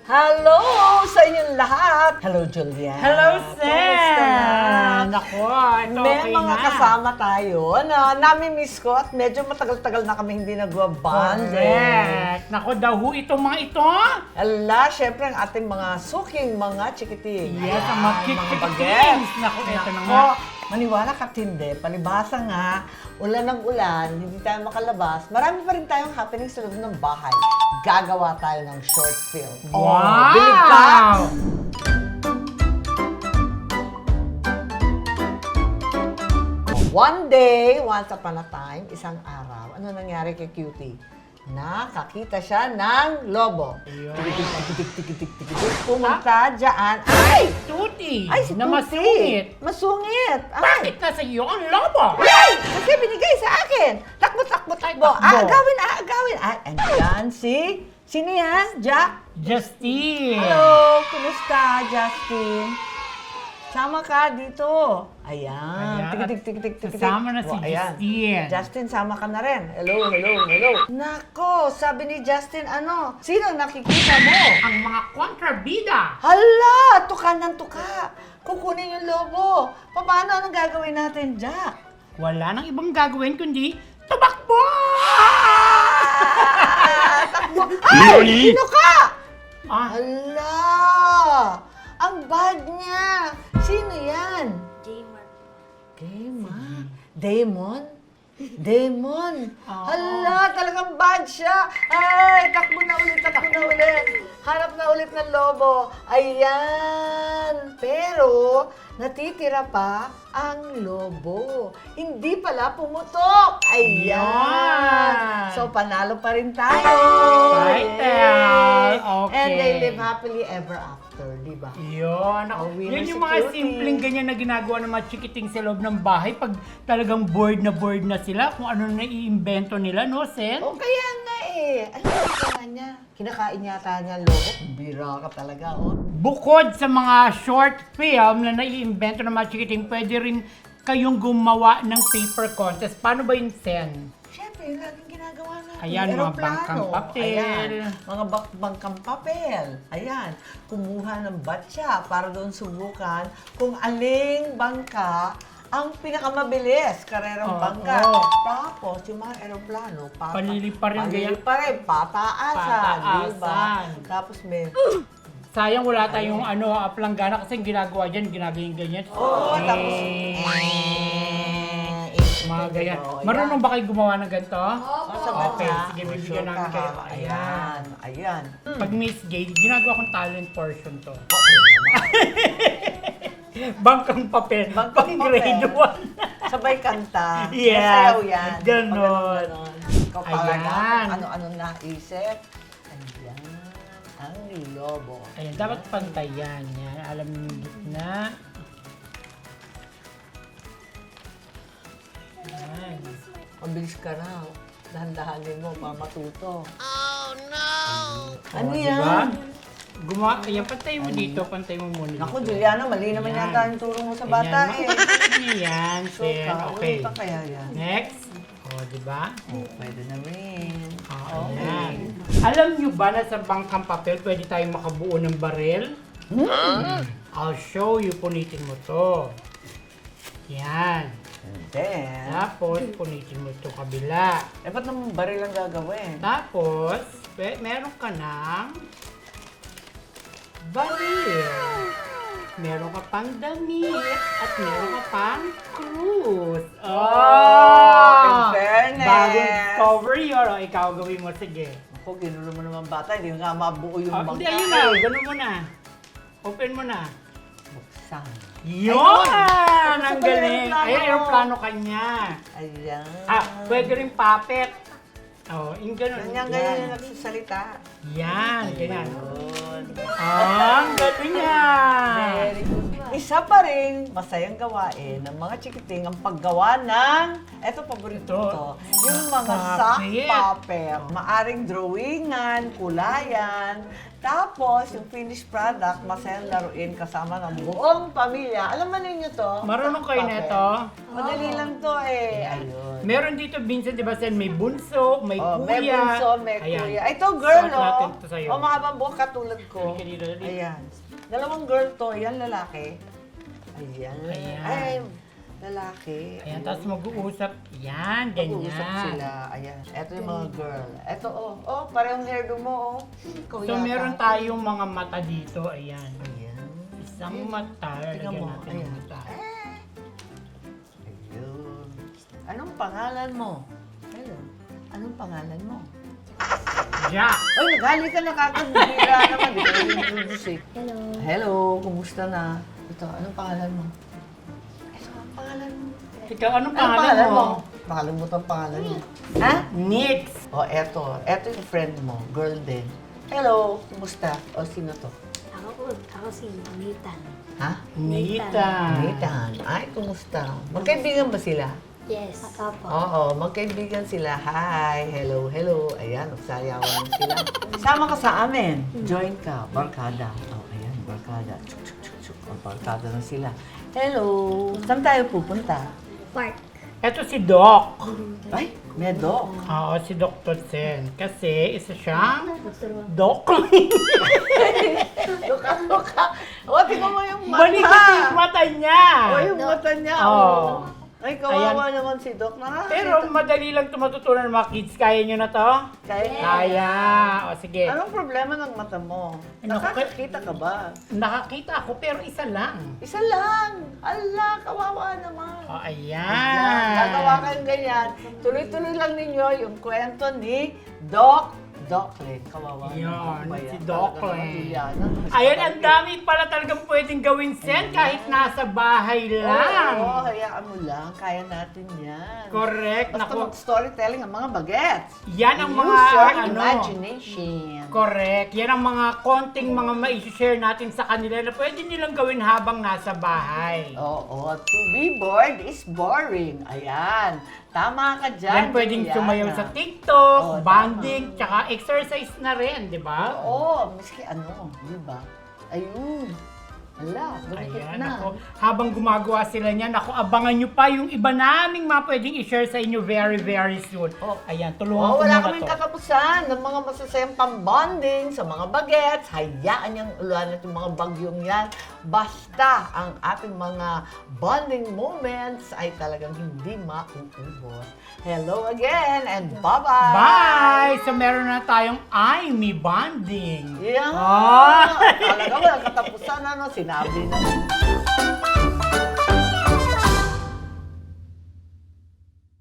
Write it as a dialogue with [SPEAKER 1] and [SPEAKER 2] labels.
[SPEAKER 1] Hello sa inyong lahat! Hello, Julian!
[SPEAKER 2] Hello, Sen!
[SPEAKER 1] Kumusta na?
[SPEAKER 2] Nako, ito
[SPEAKER 1] May
[SPEAKER 2] okay
[SPEAKER 1] mga
[SPEAKER 2] na.
[SPEAKER 1] kasama tayo na nami-miss ko at medyo matagal-tagal na kami hindi nagwa-bond.
[SPEAKER 2] Correct. Nako, dahu itong mga ito.
[SPEAKER 1] Ala, syempre ang ating mga suking mga chikiting.
[SPEAKER 2] Yes, ang mga
[SPEAKER 1] bagets.
[SPEAKER 2] bagets. Nako, ito na nga.
[SPEAKER 1] Maniwala ka hindi, palibhasa nga, ulan ng ulan, hindi tayo makalabas, marami pa rin tayong happening sa loob ng bahay. Gagawa tayo ng short film.
[SPEAKER 2] Wow!
[SPEAKER 1] Bilib ka! One day, once upon a time, isang araw, ano nangyari kay Cutie? Nakakita siya ng lobo.
[SPEAKER 2] Ayun.
[SPEAKER 1] Tikitik-tikitik-tikitik. Pumunta dyan. Ay!
[SPEAKER 2] Tuti!
[SPEAKER 1] Ay, si
[SPEAKER 2] na
[SPEAKER 1] Tuti.
[SPEAKER 2] masungit.
[SPEAKER 1] Masungit. Ay!
[SPEAKER 2] Bakit nasa iyo ang lobo?
[SPEAKER 1] Ay! Kasi binigay sa akin. Takbo-takbo.
[SPEAKER 2] Takbo.
[SPEAKER 1] Aagawin. Ay, andyan si... Sino yan? Jack?
[SPEAKER 2] Justin!
[SPEAKER 1] Hello! Kumusta, Justin? Sama ka dito. Ayan.
[SPEAKER 2] Ayan.
[SPEAKER 1] Tikitik-tikitik-tikitik.
[SPEAKER 2] Kasama na si
[SPEAKER 1] Ayan.
[SPEAKER 2] Justin.
[SPEAKER 1] Justin, sama ka na rin. Hello. Nako, sabi ni Justin, ano? Sino nakikita mo?
[SPEAKER 2] Ang mga kontrabida.
[SPEAKER 1] Hala! Tuka ng tuka. Kukunin yung lobo. Paano? Anong gagawin natin, Jack?
[SPEAKER 2] Wala nang ibang gagawin kundi tumakbo!
[SPEAKER 1] Takbo! Ay! Sino ka?
[SPEAKER 2] Ah,
[SPEAKER 1] Hala! Ang bad niya! Sino yan? Damon? Damon?
[SPEAKER 2] Oo.
[SPEAKER 1] Hala! Talagang bad siya! Ay! Takbo na ulit! Hanap na ulit ng lobo. Ayan! Pero, natitira pa ang lobo. Hindi pala pumutok. Ayan!
[SPEAKER 2] Yan.
[SPEAKER 1] So, panalo pa rin tayo.
[SPEAKER 2] Title. Okay.
[SPEAKER 1] And they live happily ever after, di ba?
[SPEAKER 2] Yun.
[SPEAKER 1] Oh, winner
[SPEAKER 2] Yun
[SPEAKER 1] si
[SPEAKER 2] yung mga
[SPEAKER 1] Cutie.
[SPEAKER 2] simpleng ganyan na ginagawa ng mga chikiting sa loob ng bahay pag talagang bored na sila kung ano na iimbento nila, no, Sen?
[SPEAKER 1] O kaya nga eh. Ano yung kaya niya? Kinakain yata niya ang lobo. Bira ka talaga, oh.
[SPEAKER 2] Bukod sa mga short film na naiimbento ng mga chikiting, pwede rin kayong gumawa ng paper contest. Paano ba yun, Sen?
[SPEAKER 1] Siyempre, yung laging ginagawa natin.
[SPEAKER 2] Ayan, mga
[SPEAKER 1] Aeroplano.
[SPEAKER 2] bangkang papel.
[SPEAKER 1] Ayan, mga bangkang papel. Ayan, kumuha ng batya para doon subukan kung aling bangka ang pinakamabilis, karerang
[SPEAKER 2] Oo.
[SPEAKER 1] bangka. Tapos, yung mga aeroplano,
[SPEAKER 2] Paliliparin ganyan.
[SPEAKER 1] paliliparin, pataasan, di ba?
[SPEAKER 2] Pataasan.
[SPEAKER 1] Tapos may,
[SPEAKER 2] Sayang wala tayong planggana kasi yung ginagawa dyan, ganyan.
[SPEAKER 1] oo, tapos,
[SPEAKER 2] Mga ganyan.
[SPEAKER 1] Oo,
[SPEAKER 2] Marunong ba kayo gumawa ng ganito?
[SPEAKER 1] sa
[SPEAKER 2] Okay,
[SPEAKER 1] batya.
[SPEAKER 2] sige, bibigyan
[SPEAKER 1] Sure
[SPEAKER 2] namin
[SPEAKER 1] ka,
[SPEAKER 2] kayo.
[SPEAKER 1] ha? Ayan, ayan.
[SPEAKER 2] Pag Miss Gay, ginagawa kong talent portion to.
[SPEAKER 1] Okay naman.
[SPEAKER 2] Bangkang papel.
[SPEAKER 1] Bangkang
[SPEAKER 2] Pang grade
[SPEAKER 1] papel.
[SPEAKER 2] 1.
[SPEAKER 1] Sabay kanta.
[SPEAKER 2] Yes.
[SPEAKER 1] Masayaw yan.
[SPEAKER 2] Ganon.
[SPEAKER 1] Ganon. Ikaw talaga
[SPEAKER 2] Ayan.
[SPEAKER 1] kung ano-ano naisip. Ayan. Ang lobo.
[SPEAKER 2] Ayan, dapat pantayan yan. Alam niyo yung gitna. Ayan.
[SPEAKER 1] Mabilis ka na. Dahan-dahanin mo para matuto. Ano
[SPEAKER 2] O,
[SPEAKER 1] yan?
[SPEAKER 2] diba? Ayan, pantay mo dito. Pantay mo muna dito.
[SPEAKER 1] Naku, Juliana, mali naman
[SPEAKER 2] Ayan.
[SPEAKER 1] yata yung turo mo sa bata
[SPEAKER 2] Ayan,
[SPEAKER 1] eh.
[SPEAKER 2] makikita niyo yan.
[SPEAKER 1] So,
[SPEAKER 2] Sen. Okay.
[SPEAKER 1] pa kaya yan?
[SPEAKER 2] Next. O, diba?
[SPEAKER 1] Oh, pwede na rin.
[SPEAKER 2] Ayan. Alam nyo ba na sa bangkang papel pwede tayong makabuo ng baril? I'll show you. Punitin mo to. Yan.
[SPEAKER 1] And then,
[SPEAKER 2] Tapos, punitin mo to kabila.
[SPEAKER 1] ba't naman baril ang gagawin?
[SPEAKER 2] Tapos, meron ka ng baril. Meron ka pang damit at meron ka pang cruise.
[SPEAKER 1] In fairness.
[SPEAKER 2] Bagong cover yun. O, ikaw gawin mo. Sige.
[SPEAKER 1] Ako, ginulo mo naman bata. Hindi nga mabuo yung
[SPEAKER 2] Oh,
[SPEAKER 1] bangka.
[SPEAKER 2] hindi, ayun na. Ganun mo na. Open mo na.
[SPEAKER 1] Buksan.
[SPEAKER 2] Yun!
[SPEAKER 1] Tapos
[SPEAKER 2] Ang
[SPEAKER 1] sa
[SPEAKER 2] galing.
[SPEAKER 1] aeroplano.
[SPEAKER 2] Ay, aeroplano kanya.
[SPEAKER 1] Ayan.
[SPEAKER 2] Pwede rin puppet. Oh, yung ganun.
[SPEAKER 1] Ganyan yung nagsasalita.
[SPEAKER 2] Yan, ganyan.
[SPEAKER 1] Yun.
[SPEAKER 2] Ang galing yan.
[SPEAKER 1] Very good. Isa pa rin masayang gawain ng mga chikiting ang paggawa ng, eto paborito
[SPEAKER 2] Ito.
[SPEAKER 1] to, yung mga sock
[SPEAKER 2] Puppet.
[SPEAKER 1] puppet. Maaring drawingan, kulayan, Tapos, yung finished product, masayang laruin kasama ng buong pamilya. Alam mo ninyo to?
[SPEAKER 2] Marunong kayo
[SPEAKER 1] Papel.
[SPEAKER 2] nito?
[SPEAKER 1] Madali lang to eh. Ayun.
[SPEAKER 2] Meron dito, Vincent, di ba, Sen? May bunso, may
[SPEAKER 1] Oh,
[SPEAKER 2] kuya.
[SPEAKER 1] may bunso, may
[SPEAKER 2] Ayan.
[SPEAKER 1] kuya. Ito, girl,
[SPEAKER 2] Suot natin
[SPEAKER 1] oh.
[SPEAKER 2] to sa'yo.
[SPEAKER 1] O, mahabang buhok katulad ko.
[SPEAKER 2] Halika dito, dali.
[SPEAKER 1] Ayan. Dalawang girl to. Yan, lalaki. Ayan.
[SPEAKER 2] Ayan.
[SPEAKER 1] Ay, lalaki.
[SPEAKER 2] Ayan, tapos mag-uusap. Yan, ganyan.
[SPEAKER 1] Mag-uusap sila. Ayan. Ito yung mga girl. Ito, oh. Oh, parehong hairdo mo, oh. Ikaw
[SPEAKER 2] So,
[SPEAKER 1] yata.
[SPEAKER 2] meron tayong mga mata dito. Ayan.
[SPEAKER 1] Ayan.
[SPEAKER 2] Isang mata.
[SPEAKER 1] Tingnan
[SPEAKER 2] Lagyan
[SPEAKER 1] mo.
[SPEAKER 2] natin
[SPEAKER 1] Ayan.
[SPEAKER 2] ang mata.
[SPEAKER 1] Ayun. Anong pangalan mo? Hello. Anong pangalan mo?
[SPEAKER 2] Jack!
[SPEAKER 1] Ay, nagali ka na kakabira naman. Di ka introduce eh.
[SPEAKER 3] Hello.
[SPEAKER 1] Hello, kumusta na? Ito, anong pangalan mo? Ito, ang pangalan mo.
[SPEAKER 2] Ikaw, anong
[SPEAKER 1] Anong
[SPEAKER 2] pangalan mo?
[SPEAKER 1] Nakalimutan ang pangalan mo. Ha?
[SPEAKER 2] Nix!
[SPEAKER 1] O, eto. Eto yung friend mo. Girl din. Hello, kumusta? O, sino to?
[SPEAKER 3] Ako si Nathan.
[SPEAKER 1] Ha?
[SPEAKER 2] Nathan.
[SPEAKER 1] Nathan. Ay, kumusta? Magkaibigan ba sila?
[SPEAKER 3] Yes. Apo.
[SPEAKER 1] Oo, magkaibigan sila. Hi, hello, hello. Ayan, magsayawan mo sila. Sama ka sa amin. Join ka, barkada. Oh, ayan, barkada. Chuk, chuk, chuk, chuk. Oh, barkada na sila. Hello. Saan tayo pupunta?
[SPEAKER 3] Park.
[SPEAKER 2] Ito si Doc.
[SPEAKER 1] Ay, Medo.
[SPEAKER 2] Oo, si Dr. Sen. Kasi isa siyang
[SPEAKER 3] Dr. Wang.
[SPEAKER 2] Doc.
[SPEAKER 1] Luka, luka. O, tingnan mo yung mata.
[SPEAKER 2] Balik kasi yung mata niya.
[SPEAKER 1] O, yung mata niya.
[SPEAKER 2] Oo.
[SPEAKER 1] Oh. Ay, kawawa naman si Doc.
[SPEAKER 2] Pero madali lang ito matutunan ng mga kids. Kaya nyo na to?
[SPEAKER 1] Kaya,
[SPEAKER 2] Kaya. O sige.
[SPEAKER 1] anong problema ng mata mo?
[SPEAKER 2] Ano,
[SPEAKER 1] Nakakakita ka ba?
[SPEAKER 2] Nakakita ako pero isa lang.
[SPEAKER 1] Isa lang. Ala, kawawa naman.
[SPEAKER 2] O
[SPEAKER 1] Yan.
[SPEAKER 2] ayan.
[SPEAKER 1] Gagawa kayong ganyan. Tuloy-tuloy lang ninyo yung kwento ni Doclen. Kawawa.
[SPEAKER 2] Yun,
[SPEAKER 1] naman.
[SPEAKER 2] si
[SPEAKER 1] Talaga
[SPEAKER 2] Doclen.
[SPEAKER 1] naman, Juliana.
[SPEAKER 2] Ayun, ang dami pala talagang pwedeng gawin, Sen, kahit nasa bahay lang.
[SPEAKER 1] Oo, hayaan mo lang. Kaya natin yan.
[SPEAKER 2] Correct.
[SPEAKER 1] Basta
[SPEAKER 2] Naku,
[SPEAKER 1] mag-storytelling ang mga bagets.
[SPEAKER 2] yan ang mga,
[SPEAKER 1] Use your
[SPEAKER 2] ano,
[SPEAKER 1] imagination.
[SPEAKER 2] correct. Yan ang mga konting mga ma-share natin sa kanila na pwede nilang gawin habang nasa bahay.
[SPEAKER 1] Oo, to be bored is boring. Ayan. Tama ka dyan,
[SPEAKER 2] Yan pwedeng
[SPEAKER 1] Juliana.
[SPEAKER 2] sumayaw sa TikTok,
[SPEAKER 1] Oo,
[SPEAKER 2] bonding, tsaka exercise na rin, di ba?
[SPEAKER 1] Oo, miski ano, di ba? Ayun. Ala, bumikit
[SPEAKER 2] Ayan,
[SPEAKER 1] na.
[SPEAKER 2] ako, habang gumagawa sila niyan, ako, abangan nyo pa yung iba naming mga pwedeng i-share sa inyo very, very soon.
[SPEAKER 1] Oh.
[SPEAKER 2] Ayan, tulungan ko
[SPEAKER 1] Oh, wala
[SPEAKER 2] muna
[SPEAKER 1] kaming
[SPEAKER 2] to.
[SPEAKER 1] katapusan ng mga masasayang pambonding sa mga bagets. Hayaan niyang uluan at yung mga bagyong yan. Basta ang ating mga bonding moments ay talagang hindi mauubos. Hello again and bye-bye!
[SPEAKER 2] Bye! So meron na tayong me bonding.
[SPEAKER 1] Yeah!
[SPEAKER 2] Ah!
[SPEAKER 1] Talaga walang katapusan, ano? Sinabi na.